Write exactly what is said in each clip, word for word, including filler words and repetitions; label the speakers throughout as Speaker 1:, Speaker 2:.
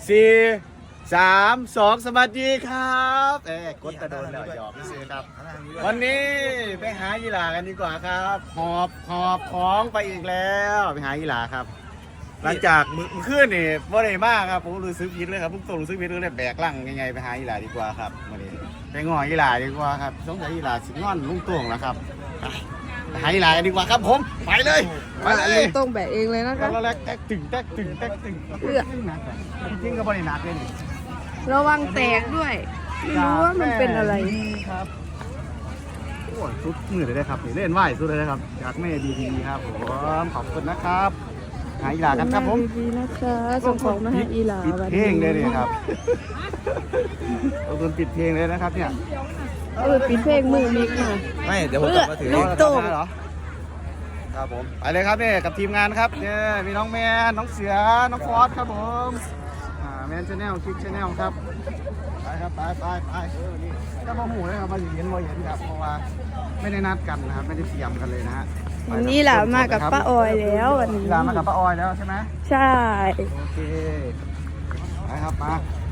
Speaker 1: สี่สามสองสวัสดีครับเอ๊กดกระโดนแล้วหยอกซื้อครับวันนี้ไปหายีหลากันดีกว่าครับหอบหอบของไปอีกแล้วไปหายีหลาครับ หลังจากมือขึ้นนี่บ่ได้มากครับผมรู้สึกผิดเลยครับผมต้องรู้สึกผิดเลยแบกลังยังไงไปหายีหลาดีกว่าครับวันนี้ไปงอยีหลาดีกว่าครับสงสัยยีหลาสิงอนลุงตวงแล้วครับไปหายีหลากันดีกว่าครับผมไปเลยไปเลย
Speaker 2: ต้องแบกเองเลยนะคะ
Speaker 1: แล้วแรกแตกตึงแตกตึงแตกตึงเอื้อจริงๆก็บ่ได้หนักเลยนี่
Speaker 2: ระวังแตกด้วย ไม่รู้ว่ามันเป็นอะไร
Speaker 1: ครับโอ้ยสุดมือเลยนะครับนี่เล่นไหวสุดเลยนะครับจากแม่ดีๆครับผมขอบคุณนะครับหาอีหลากันครับผม
Speaker 2: ดีๆนะคะส่งของมาให้อีหลา
Speaker 1: ปิด
Speaker 2: วัน
Speaker 1: เพล
Speaker 2: นี้
Speaker 1: งเลยเนี่ยครับเอาตัวปิดเพลงเลยนะครับเนี่ย
Speaker 2: เออปิดเพลงมือมิกมา
Speaker 3: ไม่เดี๋ยวผมกลับมาถือ
Speaker 2: ลูกโต่ง
Speaker 1: เหรอครับผมไปเลยครับเนี่ยกับทีมงานครับเนี่ยมีน้องแมนน้องเสือน้องฟอสครับผมอ่าแมนชาแนลคลิกชาแนลครับไปครับไปไปไปก็มาหูเลยครับมาเห็นมาเห็นครับเพราะว่าไม่ได้นัดกันนะครับไม่ได้เตรียมกันเลยนะฮะ
Speaker 2: วันนี้หลามากับป้าออยแล้ววันนี้
Speaker 1: หลามากับป้าออยแล้วใช่ไหม
Speaker 2: ใช่
Speaker 1: โอเคไปครับมา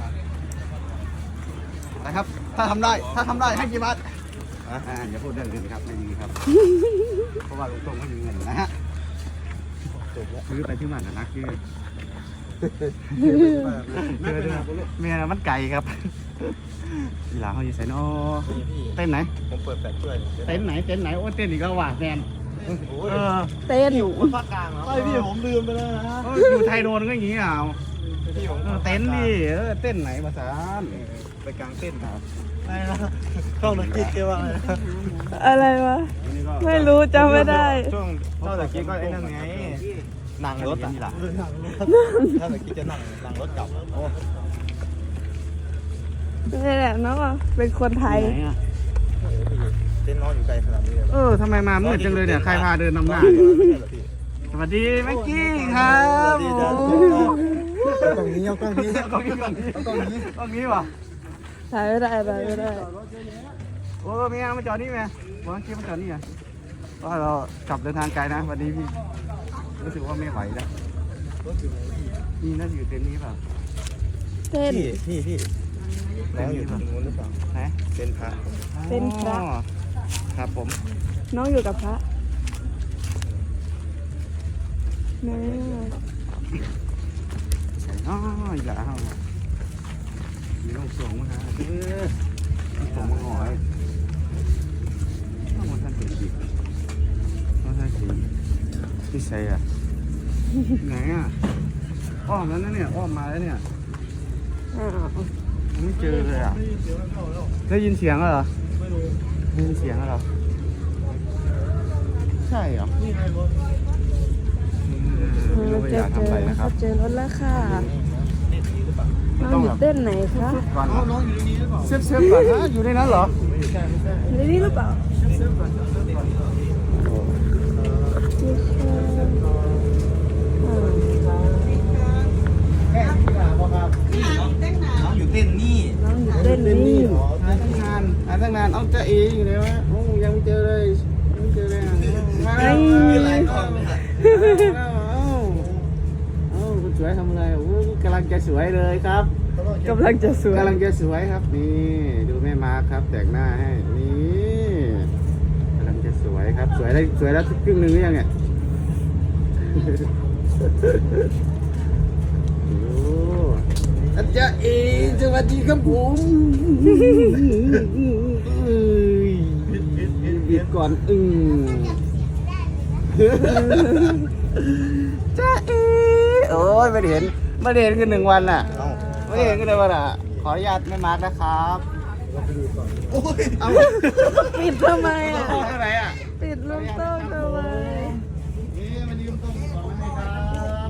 Speaker 1: ไปครับถ้าทำได้ถ้าทำได้ให้กี่บาทอ่าอย่าพูดเรื่องอื่นครับไม่ดีครับ เพราะว่าลุงตรงไม่มีเงินนะฮะซื้อไปที่มันนะนะคือเมียมันไก่ครับอีหลาเขาอยู่ไสนอเต้นไหน
Speaker 3: ผมเปิดแปดถ้วย
Speaker 1: เต้นไหนเต้นไหนโอ้เต้นอีกแล้วว่ะแฟนเออ
Speaker 2: เต้นอยู่
Speaker 3: ภาคกลางเหรอ
Speaker 1: ไอพี่ผมลืมไปแล้วนะอยู่ไทยโดนก็อย่างงี้อ่ะ
Speaker 3: พี่ผม
Speaker 1: เต้นดิเออเต้นไหนภาษา
Speaker 3: ไปกลางเต้นครับ
Speaker 1: อะไรนะช่องนักกีฬาว่าอะไร
Speaker 2: อะไรวะ ไม่รู้จำไม่ได้
Speaker 3: ช่วงเท่าตะกี้ก็ไอ้นั่นไงนั่งรถอ่ะเท่าตะกี้จะนั่งนั่งรถกลับโอ้
Speaker 2: นี่แหละเนาะเป็นคนไทย
Speaker 3: เต้นน้อยอยู่ไกลขนาดนี้เลย
Speaker 1: เออทำไมมามืดจังเลยเนี่ยใครพาเดินนำหน้าสวัสดีแม็กกี้ครับ
Speaker 3: ตรงนี้เอาตรงนี้
Speaker 1: ตรงนี้ตรงนี้ตรงนี้ตรงนี้วะ
Speaker 2: ถ่ายไม่ได้ถ่ายไม่ได้
Speaker 1: โอ้เมียมาจอดนี่ไหมบอกว่าเกียมาจอดนี่อ่ะเพราะเรากลับเดินทางไกลนะวันนี้พี่รู้สึกว่าไม่ไหวแล้วนี่น่าจะอยู่เต็นท์นี้เปล่า
Speaker 2: เต้น
Speaker 3: พี่พี่พี่น้องอยู่ตรงนู้นหรือเปล่า
Speaker 1: ไหน
Speaker 3: เป็นพระ
Speaker 2: เป็นพระ
Speaker 1: อ๋อครับผม
Speaker 2: น้องอยู่กับพระแม่
Speaker 1: อ๋ออย่าเอามีลูกส่งมาหาเออส่งมาหอยต้องมาท่านเป็นสิมาท่านสิที่ใส่อ่ะไหนอ่ะอ้อมแล้วนะเนี่ยอ้อมมาแล้วเนี่ย
Speaker 2: อ้าว
Speaker 1: ไม่เจอเลยอ่ะได้ยินเสียงแล้วเหรอได้ยินเสียงแล้วเหรอใช่เหรอ
Speaker 2: เรา
Speaker 1: ไม่
Speaker 2: เจ
Speaker 1: อ
Speaker 2: อย
Speaker 1: าก
Speaker 2: เจ
Speaker 1: ทำอะไร
Speaker 2: อ
Speaker 1: นะครับ
Speaker 2: เจอรถแล้วค่ะน้องอยู่เต้นไหนคะ
Speaker 1: ก่อนเซฟเซฟก่อนนะอยู่ในนั้นเหรอ
Speaker 2: ในนี้หรือเปล่า
Speaker 1: เซฟก่อนเซฟก่อน แม่ที่หาบอกครับ
Speaker 3: น้องอยู่เต้นนี่
Speaker 2: น้องอยู่เต้นนี่
Speaker 1: หาตั้งนานหาตั้งนานเอาจะเออยู่เลยวะโอ้ยังไม่เจอเลยยังไม่เจอเลยอ่ะมาแล้ว
Speaker 3: หลายคนเลย
Speaker 1: เอ้าเอ้าคุณสวยทำอะไรโอ้กำลังจะสวยเลยครับ
Speaker 2: กำลังจะสวย
Speaker 1: กำลังจะสวยครับนี่ดูแม่มาร์คครับแต่งหน้าให้นี่กำลังจะสวยครับสวยได้สวยแล้วครึ่งหนึ่งหรือยังเนี่ยโอ้อาจารย์เอสวัสดีครับผมเอ้ยเบียดก่อนอึ้งจ้าเอโอ้ยไม่ได้เห็นไม่ได้เห็นกันหนึ่งวันน่ะ
Speaker 3: เอ้า
Speaker 1: ไม่ได้เห็นกันเลยวันอ่ะขออนุญาตแม่มาร์คนะครับเอา
Speaker 2: ปิดทำไมอ่ะ
Speaker 1: เท่าไหร่อ่ะ
Speaker 2: ปิดลูกโต้งทำไม
Speaker 1: นี่มันยืมตรงสองให้ครับ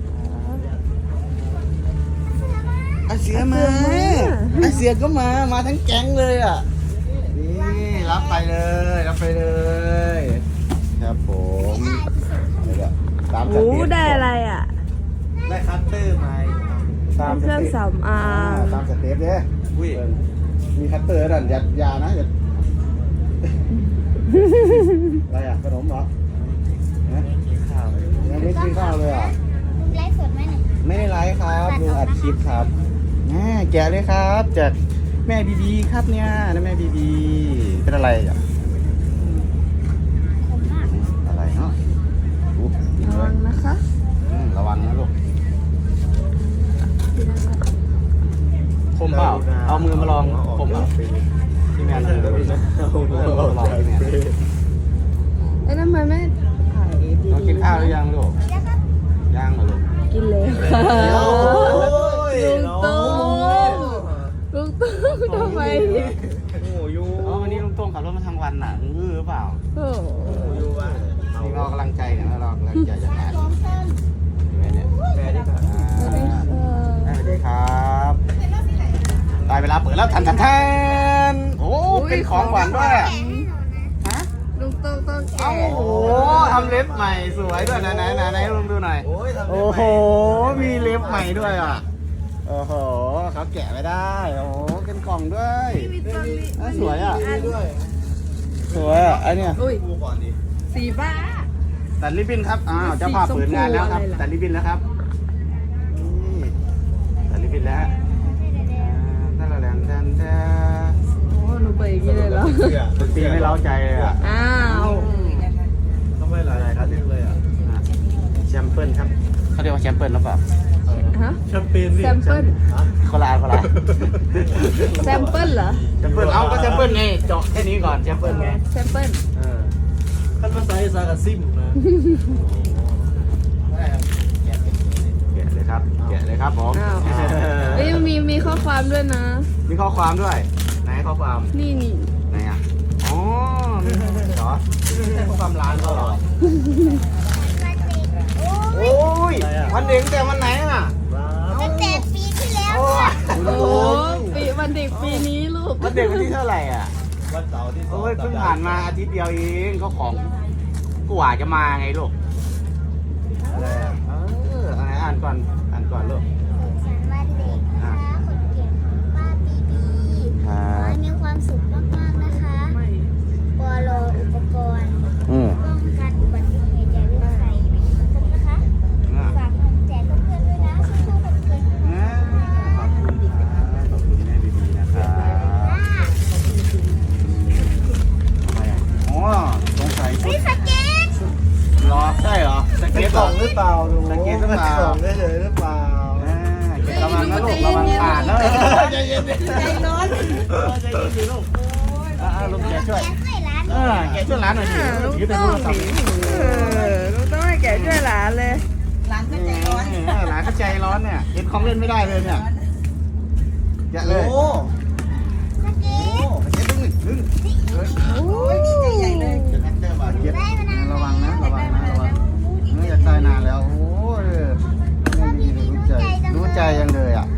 Speaker 1: อาเสือมาอาเสือก็มา มาทั้งแก๊งเลยอ่ะ นี่รับไปเลย รับไปเลย ครับผมนี่แหละตามส
Speaker 2: โอ้
Speaker 1: เต็ป
Speaker 2: ได้อะไรอ่ะ
Speaker 3: ได้คัตเตอร์มา
Speaker 1: ตาม
Speaker 2: เค
Speaker 1: ส
Speaker 2: รื่อง
Speaker 1: เต็ป
Speaker 2: สำอาง
Speaker 1: ตามสเต็ปเนี่ย
Speaker 3: อุ้ย
Speaker 1: มีคัตเตอร์นั่นอย่าอย่านะอย่าอะไรอ่ะขนมเหรอฮะ
Speaker 3: กินข้าวเลย
Speaker 1: ยังไม่กินข้าวเลยอ่ะ
Speaker 4: ไลฟ์สดไหมเนี่ย
Speaker 1: ไม่ได้ไลฟ์ครับลุงอัดคลิปครับแม่แกะเลยครับ จากแม่บีบีครับเนี่ยนะแม่บีบีเป็นอะไรอ่ะ
Speaker 2: ขมมาก
Speaker 1: อะไรเนาะอุ๊บกิน
Speaker 2: ระ
Speaker 1: เล
Speaker 2: วั
Speaker 1: ย
Speaker 2: งนะคะ
Speaker 1: อืมระวังนะลูกคมเปล่าเอามือมาลองคมเปล่าพี่แมนเอามือมาลองพี่แมน
Speaker 2: เอ้ยทำไมไม่ถ่ายดี
Speaker 1: เรากินข้าวหรือยังลูกยังเหรอลูก
Speaker 2: กินเลยค่ะ
Speaker 3: โอ้ย
Speaker 2: ลุงตุ้มลุงตุ้มทำไม
Speaker 3: โอ้ยู
Speaker 1: อ๋อวันนี้ลุงโต้งขับรถมาทางวันน่ะอื้อหรือเปล่า
Speaker 2: โอ้โห
Speaker 3: ยูว่า
Speaker 1: นี่เรากำลังใจเนี่ยเรากำลังใจจะงานเห็นไหมเนี่ย
Speaker 3: แม่ดิค่ะ
Speaker 2: สวัสดีค่ะ
Speaker 1: สวัสดีครับได้เวลาเปิดแล้วทันทันทันโอ้เป็นของขวัญด้วยอะฮะ
Speaker 2: ลุงตุ้มต้องแกะ
Speaker 1: โอ้โหทำเล็บใหม่สวยด้วยไหนไหนไหนไหนลองดูหน่อย
Speaker 3: โอ้ยทำ
Speaker 1: โอ้โหมีเล็บใหม่ด้วยอ่ะโอ้โหเขาแกะไม่ได้โอ้โหเป็นกล่องด้วยอ่ะสวยอ่ะ
Speaker 3: ด้วย
Speaker 1: สวยอ่ะไอเนี่ย
Speaker 2: อุ้ย
Speaker 3: ดูก่อนดิ
Speaker 2: สีบ้า
Speaker 1: ตัดริบบิ้นครับอ้าวเจ้าภาพเปิดงานแล้วครับตัดริบบิ้นแล้วครับนี่ตัดริบบิ้นแล้วอ่าแทนแทนแทนแทน
Speaker 2: โอ้หนูไปอย่างนี้เลยเหรอ
Speaker 1: ดนตรีไม่เล้าใจเลยอ่ะ
Speaker 2: อ้าว
Speaker 3: ทำไมหลายๆคันเลยอ่ะ
Speaker 1: อ่ะแชมเปิลครับเขาเรียกว่าแชมเปิลหรือเปล่า
Speaker 2: ฮะ
Speaker 3: แชมเปญดิ
Speaker 2: แซมเปิล
Speaker 1: คนละอันคนละอัน
Speaker 2: แซมเปิลเหรอ
Speaker 1: แชมเปิลเอาก็แชมเปิลไงเจาะแค่นี้ก่อนแชมเปิลไง
Speaker 2: แซมเปิล
Speaker 1: เออ
Speaker 3: ขั้นภาษาอีสานกับซิมนะ
Speaker 1: แกะเลยครับแกะเลยครับผม
Speaker 2: อ้าวเอ้ยมีมีข้อความด้วยนะ
Speaker 1: มีข้อความด้วยไหนข้อความ
Speaker 2: นี่นี่
Speaker 1: ไหนอ่ะอ๋อเหรอไม่ใช่ข้อความร้านเขาเหรอโอ้ยวันเด็กแต่วันไหนอ่ะ
Speaker 4: ตั้งแต่ปีที่แล้ว
Speaker 1: โอ้ย
Speaker 2: โอ้ปีวันเด็กปีนี้ลูก
Speaker 1: วันเด็กวันที่เท่าไหร่อ่ะ
Speaker 3: วันเสาร์ที่สอง
Speaker 1: โอ้ยเพิ่งผ่านมาอาทิตย์เดียวเองก็ของกว่าจะมาไงลูก
Speaker 3: อะไรอ่ะ
Speaker 1: เอออะไรอ่านก่อนอ่านก่อนลูก
Speaker 4: สันวันเด็กนะคะคนเก่งของป้าบีบี
Speaker 1: ครั
Speaker 4: ขอให้
Speaker 1: บ
Speaker 4: มีความสุขมากๆนะคะ
Speaker 2: ไม่
Speaker 4: ปลอุปกรณ์
Speaker 1: อืม
Speaker 4: ป้องกันอุบัติเหตุอย่าลืมใส่ครบนะคะ
Speaker 1: อ่ะ
Speaker 4: ฝากเงินแจกเพื่อนๆด้วยนะสู้ๆคนเก่ง
Speaker 1: อ่าขอบคุณครับขอบคุณแม่บีบีนะครับทำไมอ่ะอ๋อสงสัยชุ
Speaker 4: วิ
Speaker 1: ด
Speaker 4: สเก็ต
Speaker 1: รอใช่เหรอส
Speaker 3: เป็
Speaker 1: เก็
Speaker 3: น
Speaker 1: ต
Speaker 3: ก
Speaker 1: เหร
Speaker 3: ล่อ
Speaker 1: อง
Speaker 3: หรือเปล่าดู
Speaker 1: สเก็ตหรือเปล่า
Speaker 3: กล่องเฉยๆหรือเปล่า
Speaker 1: อ่าเก็บระวังนะลูกระวังขาดนะใจเย็นๆใจร้อนใจเย็นสิลูกอ่าลูกแกช่วย
Speaker 4: แจกให้ร้าน
Speaker 1: เออแกช่วยร้านหน่อยสิ
Speaker 2: ลูก
Speaker 1: ถือเป็น
Speaker 2: ต้
Speaker 1: โท
Speaker 2: อง
Speaker 1: รศัพ
Speaker 2: หนี
Speaker 1: ท์
Speaker 2: เออลูกต้องให้แกะช่วยหลานเลย
Speaker 1: ร้านก็ใจร้อนร้านก็ใจร้อนเนี่ยเห็นของเล่นไม่ได้เลยเนี่ยแกะเลย
Speaker 3: โอ้
Speaker 4: สเก็ต
Speaker 1: เก็บดึงดึง
Speaker 2: โอ้ยดีใจใหญ่เลย
Speaker 1: เก็บเก็บระวังนะระวังนะระวังนี่อยากได้นานแล้วโอ้ยไม่มีรู้ใจรู้ใจยังเลยอ่ะ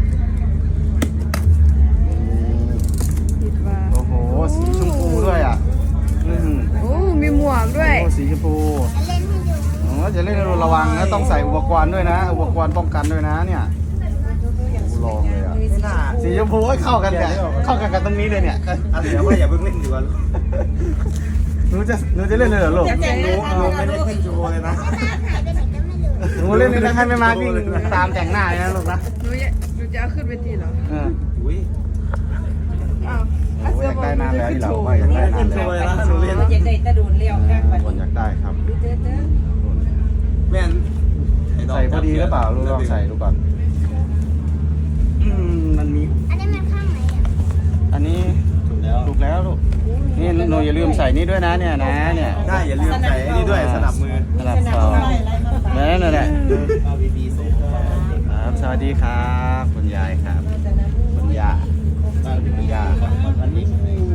Speaker 2: คิดว่า
Speaker 1: โอ้โหสีชมพูด้วยอ่ะอืม
Speaker 2: โอ้มีหมวกด้วย
Speaker 1: โอ้สีชมพู
Speaker 4: จะเล่นให้ดู
Speaker 1: โอ้จะเล่นระวังนะต้องใส่อุปกรณ์ด้วยนะอุปกรณ์ป้องกันด้วยนะเนี่ยโอ้ลองเลยอ่ะ
Speaker 3: ไม่น่า
Speaker 1: สีชมพูเข้ากันเนี่ยเข้ากันกับตรงนี้เลยเนี่ย
Speaker 3: อ่ะเดี๋ยวว่าอย่าเพิ่งเล่นดีกว่า
Speaker 1: หนูจะหนูจะเล่นเลยเหรอลูก
Speaker 3: หนูหนูไม่ได้ขึ้นโชว์เลยนะ
Speaker 4: หายไปไหนก็ไม่รู้
Speaker 1: หนูเล่นนี่นะให้ไม่มาวิ่งตามแต่งหน้าเลยนะลูกนะ
Speaker 2: หนูจะหนูจะเอาขึ้นไปทีเหรอ
Speaker 1: เออ
Speaker 3: อุ้ย
Speaker 2: อ้าว
Speaker 1: โอ้อยากได้นานแล้วที่เราว่าอยากได้นาน
Speaker 3: ขึ้นโช
Speaker 1: แล้ว
Speaker 3: ว์เลยนะหนูเล่น
Speaker 5: อยากได้ตะโดนเลี้ยวข้างบัด
Speaker 1: คนอยากได้ครับ
Speaker 5: นี้เด้อเด้อ
Speaker 3: แม่น
Speaker 1: ใส่พอดีหรือเปล่าลูกลองใส่ดูก่อนอืมมันมี
Speaker 4: อันนี้มันข้างไหนอ่ะ
Speaker 1: อันนี้
Speaker 3: ถูกแล้ว
Speaker 1: ถูกแล้วลูกนี่หนูอย่าลืมใส่นี่ด้วยนะเนี่ยนะเนี่ย
Speaker 3: ได้อย่าลืมใส่อันนี้ด้วยสนับมือ
Speaker 1: สนับสองนั่นนั่นแหละ
Speaker 3: ป้าบีบีส่ง
Speaker 1: ครับสวัสดีครับคุณยายครับคุณย่าคุณย่าอันนี้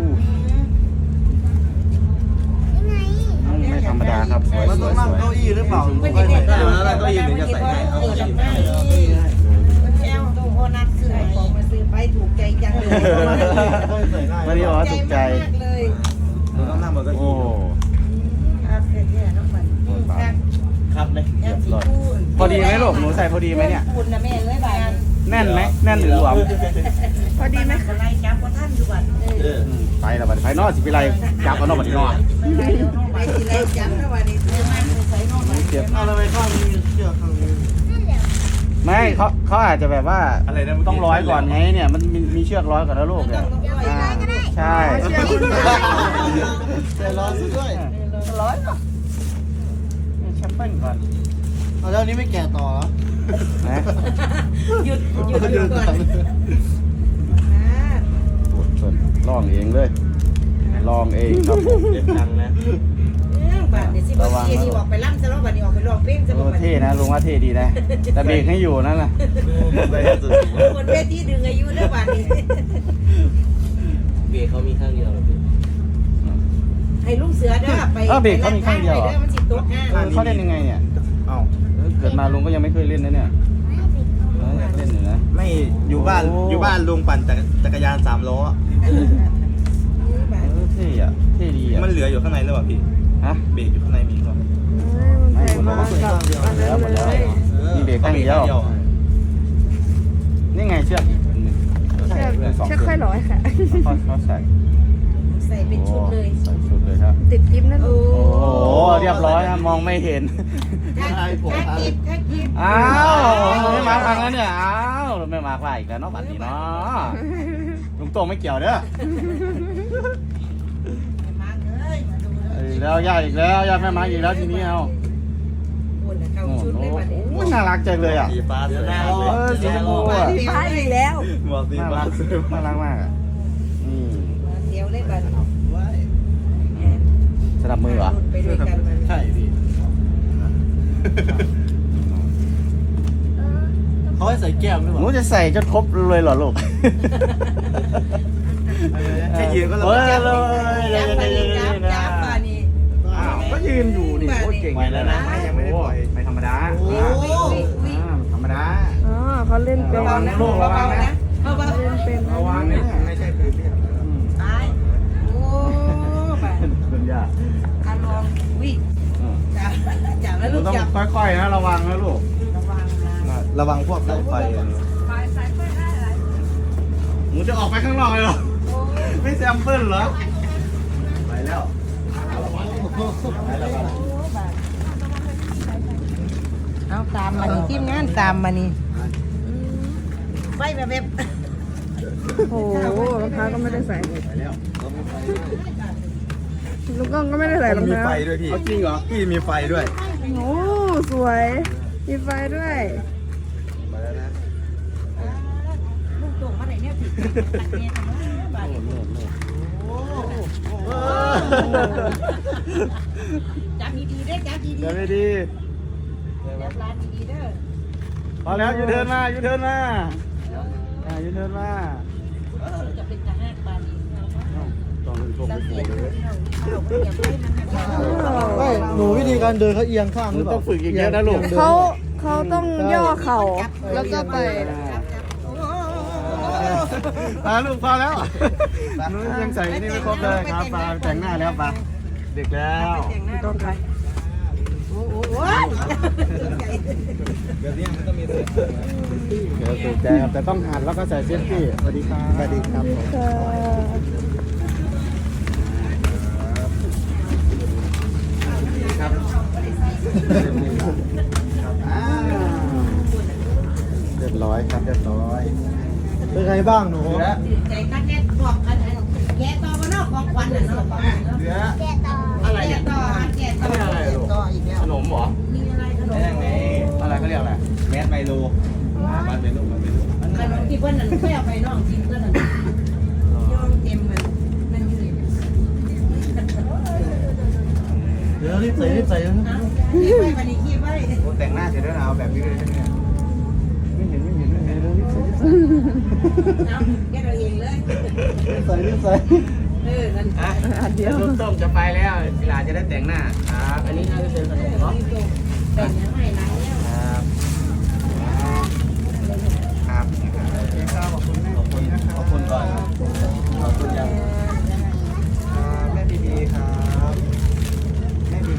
Speaker 4: ยังไง
Speaker 1: อืมไม่ธรรมดาครับสวย
Speaker 3: มัน
Speaker 1: ส
Speaker 3: ต้อ
Speaker 1: วย
Speaker 3: งนั่ง
Speaker 1: สวย
Speaker 3: เก้าอี้หรือเปล่าไม่ได้ได้แล้วเก้าอี้ถึงจะใส่ได้เอาเก้าอี้ให้
Speaker 5: แก้วตู้โอนัทซื้อของมาซื้อไปถูกใจจังเลย
Speaker 3: ใส่ได้
Speaker 1: วันนี้บอกว่าถูกใจ
Speaker 5: มากเลย
Speaker 3: เราต้องนั่งบนเก้า
Speaker 1: โอ้
Speaker 3: อี้
Speaker 5: ครับเสร็จแล้วน้องบัดครับ
Speaker 3: ครับเลย
Speaker 5: แก้วสีคูณ
Speaker 1: พอดีไหมลูกหนูใส่พอดีไหมเนี่ย
Speaker 5: คุณนะแม่เอ้ยบ้าน
Speaker 1: แน่นไหมแน่นหรือหลวม
Speaker 2: พอดีไหม
Speaker 5: อะไรจับก็ท่านอยู่บัดเอ
Speaker 3: เอ
Speaker 5: อ
Speaker 3: อ
Speaker 1: อืมไปแล้วบัดนี้ไปนอกสิไปไรจับเอานอกบัดนี้นอก
Speaker 5: ไปน้องไปสิไรจับนะวันนี้ซื้อมาใส่น้องบัด
Speaker 1: เก็บ
Speaker 3: เอาเลยข้างนี้เชือกข้างนี้
Speaker 4: นั่นแหละ
Speaker 1: ไม่เขาเขาอาจจะแบบว่า
Speaker 3: อะไรนะ
Speaker 1: ต้องร้อยก่อนไงเนี่ยมันมีมีเชือกร้อยก่อนแล้วลูกเนี่ยอ่าใช่
Speaker 3: ใจร้อนซะด้วย
Speaker 1: ร้อยก่อนแชมเปี้ยนก่อน
Speaker 3: เอาแล้วนี้ไม่แก่ต่อเหรอ
Speaker 1: นะ
Speaker 5: หยุดหยุดหยุดก่อน
Speaker 1: ปวดชนลองเองเลยลองเองครับผม
Speaker 3: เด็ดดังนะ
Speaker 5: บาทเดี๋ยวสิบาทที่ออกไปล่ำจะร้องบาทนี้ออกไปร้องเพลงจะ
Speaker 1: โอ้
Speaker 5: บอก
Speaker 1: เท่นะลุงว่าเท่ดีนะแต่เบรกให้อยู่นั่นแหละ
Speaker 5: คนเวทีดึงอายุเด้อบาทนี้
Speaker 3: เบรกเขามีข้างเดียวหรอพี่
Speaker 5: ให้ลูกเสือเด้อไปมันสิตกห้า
Speaker 1: เออเขาเล่นยังไงเนี่ย
Speaker 3: เอ้า
Speaker 1: เออเกิดมาลุงก็ยังไม่เคยเล่นนะเนี่ยเออเล่นอยู่นะ
Speaker 3: ไม่อยู่บ้าน
Speaker 1: โอ้
Speaker 3: อยู่บ้านลุงปั่นจักรจักรยานสามล้อ
Speaker 1: เออเท่อะเท่ดีอะ
Speaker 3: มันเหลืออยู่ข้างในหรือเปล่าพี่
Speaker 1: ฮะ
Speaker 3: เบรกอยู่ข้างในมีหรือเปล่า
Speaker 1: ไม่หมดแล้วหมดแล้วหมดแล้วมีเบรกข้างเดียวนี่ไงเชือกอีกอันหนึ่ง
Speaker 2: เชือก
Speaker 1: เชือกสอง
Speaker 2: เชือกค่อยร้อยค่ะ
Speaker 1: เขาเขาใส่
Speaker 5: ใส่เป็นชุดเลย
Speaker 1: ใส่ชุดเลยครับ
Speaker 2: ติดกิ๊บนั่น
Speaker 5: โอ้
Speaker 1: โอ้โหเรียบร้อยนะมองไม่เห็น
Speaker 5: ถ้ากิบถ้ากิบ
Speaker 1: อ้าวไม่มาฟังแล้วเนี่ยอ้าวไม่มาว่าอีกแล้วเนาะบัดนี้เนาะลุงโตไม่เกี่ยวเด้อ
Speaker 5: มาเลยมาดูเล
Speaker 1: เอ้
Speaker 5: ย
Speaker 1: ยแล้วญาติอีกแล้วญาติแม่มาอีกแล้วทีนี้เอา
Speaker 5: คนเข้า
Speaker 1: โอ้
Speaker 5: ชุด
Speaker 1: โห
Speaker 5: เลยบาทนี้
Speaker 1: โอ้ยน่ารักจังเลยอ่ะ
Speaker 3: สีฟ้าสวยมาก
Speaker 1: เออสีชมพูอ่ะ
Speaker 2: สีฟ้าอีกแล้ว
Speaker 3: หมวกสี
Speaker 1: น่า
Speaker 3: ฟ้า
Speaker 1: รัก
Speaker 3: สวยมาก
Speaker 1: น่ารักมากอ่ะอืม
Speaker 5: เดี๋ยวเลยบาทนี้
Speaker 1: สนับมือเหรอ
Speaker 5: ไปด้วยกันมัน
Speaker 3: ใช่พี่เขาให้ใส่แก้มหรือเป
Speaker 1: หนู
Speaker 3: ล่า
Speaker 1: จะใส่จนครบเลยเหรอลูก
Speaker 3: แค่ยืนก็
Speaker 1: เฮ้ย
Speaker 3: ลำบาก
Speaker 1: เลย
Speaker 5: จับ
Speaker 1: เล
Speaker 5: บาย ท
Speaker 1: เล
Speaker 5: นี้
Speaker 1: ย
Speaker 5: จับ
Speaker 1: นะ
Speaker 5: จับบาทนี้
Speaker 1: อ้าวก็ยืนอยู่นี่โคตรเก่งเลยนะไม่ธรรมดา
Speaker 5: โอ้ย
Speaker 1: อ่าธรรมดา
Speaker 2: อ๋อเขาเล่นเป็น
Speaker 1: ระวังนะลูกระวังนะ
Speaker 5: เบาๆ
Speaker 2: เล่นเป็น
Speaker 1: ระวังนะ
Speaker 3: ไม่ใช่คือพี่
Speaker 5: ตายโอ้บาท
Speaker 1: คุณย่า
Speaker 5: การลองวิ่งจับจับแล้ว
Speaker 1: หนู
Speaker 5: ลูก
Speaker 1: ต้อง
Speaker 5: จับ
Speaker 1: ค่อยๆนะระวังนะลูก
Speaker 5: ระวังนะ
Speaker 3: ระวังพวกสายไฟ
Speaker 1: หนูจะออกไปข้างนอกเลยเหรอไม่แซมเปิลเหรอไปแล้ว
Speaker 5: เอาตามมานี่ทีมงานตามมานี่ไฟแบบแบบ
Speaker 2: โอ้โหรองเท้าก็ไม่ได้ใส่
Speaker 1: ไปแล้ว
Speaker 2: ลูกกล้องก็ไม่ได้ใส่รอง
Speaker 3: มี
Speaker 2: เท้า
Speaker 3: ไฟด้วยพี่
Speaker 1: เอาจริงเหรอ
Speaker 3: พี่มีไฟด้วย
Speaker 2: โอ้สวยมีไฟด้วย
Speaker 5: ลูกโป่งมาไหนเนี่ยผิดตัดเนี่ยบาทจับดีๆได้จับดี
Speaker 1: เดี๋ยวไม่ดี
Speaker 5: ๆจับร้านดีๆเด้อ
Speaker 1: พอแล้วยูเทิร์นมายูเทิร์นมาอ่ายูเทิร์นมา
Speaker 5: จะเป็นทหารบาทนี้
Speaker 1: ต้องเป็นพวก
Speaker 5: เรา
Speaker 1: เป็น
Speaker 5: เสีย
Speaker 1: เล
Speaker 5: เงิ
Speaker 1: ย
Speaker 5: นเราเอาอย่าให้มัน
Speaker 3: ไม่หนูวิธีการเดินเขาเอียงข้าง
Speaker 1: หนูต้องฝึกอีกเยอะนะลูก
Speaker 2: เขาเขาต้องย่อเข่าแล้วก็ไป
Speaker 1: อ่าลูกพอแล้วหนูยังใส่นี่ไม่ครบเลยครับปลาแต่งหน้าแล้วปลาเด็กแล้ว
Speaker 2: ต้องไป
Speaker 5: โอ้โห
Speaker 3: แบบนี้มันก็มีเสียง
Speaker 1: เดี๋ยวถูกใจครับแต่ต้องหัดแล้วก็ใส่เซฟตี้สวัสดีครับสวัสดีครับ
Speaker 2: ค่ะ
Speaker 1: เรียบร้อยครับเรียบร้อย
Speaker 3: เป็นไงบ้างหนู
Speaker 5: ใจกัดแน่บอกกันแกต่อมานอกของควันน่ะเนาะ
Speaker 1: เหลือ
Speaker 4: แกะต่อ
Speaker 1: อะไร
Speaker 5: แก
Speaker 1: เนี่ย
Speaker 5: ต่อแกต่อต่ออีกแล้ว
Speaker 1: ขนมเหรอ
Speaker 5: มีอะไรขนม
Speaker 3: ยังไง
Speaker 1: อะไรเขาเรียกอะไร
Speaker 3: แมสไมโลมันเป็นลูกมันเป็นลูก
Speaker 5: ขนมที่เพิ่นนั่นไม่เอาไปน้องจริงเพิ่นนั่นยอมเต็มมันมันอยู่นี่
Speaker 3: เดี๋ยวรีบใส่รีบใส่
Speaker 5: เอาขี้ไว้บัดนี้ขี้ไว้
Speaker 1: โอ้แต่งหน้าเสร็จแล้วนะเอาแบบนี้เลยใช่ไหมเนี่ยไม่เห็นไม่เห็นไม่เห็นเลยรีบใส่รีบใส่
Speaker 5: เอาแกเราเองเลย
Speaker 3: ใส่รีบใส่
Speaker 5: เออนั่น
Speaker 1: อ่ะเดี๋ยวลูกต้มจะไปแล้วเวลาจะได้แต่งหน้าครับอันนี้น่าจะเป็นขนมเนาะ
Speaker 5: แต่งยังไงนะ
Speaker 1: ครับครับโอเคครับขอบคุณแม่ดีนะครับ
Speaker 3: ขอบคุณก่อนขอบคุณยังแม่ดีๆครับแม่ดี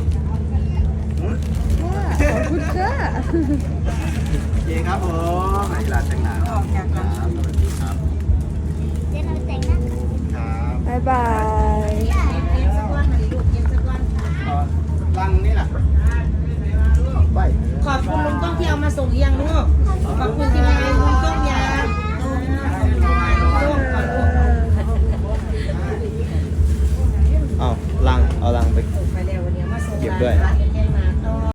Speaker 2: ขอบคุณค่ะ
Speaker 1: โอเคครับผมไหนลาแต่งหน้า
Speaker 5: ออกจากกัน
Speaker 1: ครับสวัสดีครับ
Speaker 4: เดี๋ยวเราแต่งหน้า
Speaker 1: ครับ
Speaker 2: บ๊ายบาย
Speaker 5: เก็บสักวันมาดิลูกเก็บสักวัน
Speaker 1: ลังนี่แหละ
Speaker 3: ๆไป
Speaker 5: ขอบคุณลุงต้องที่เอามาส่งลี้ยงลูกขอบคุณที่มาเลี้ยงลุงต้มยาลูกขอลูก
Speaker 3: เอาลังเอาลังไป
Speaker 5: ไปแล้ววันนี้มาส่ง
Speaker 3: เก็บด้วย
Speaker 5: ร้านเป็นไงไหม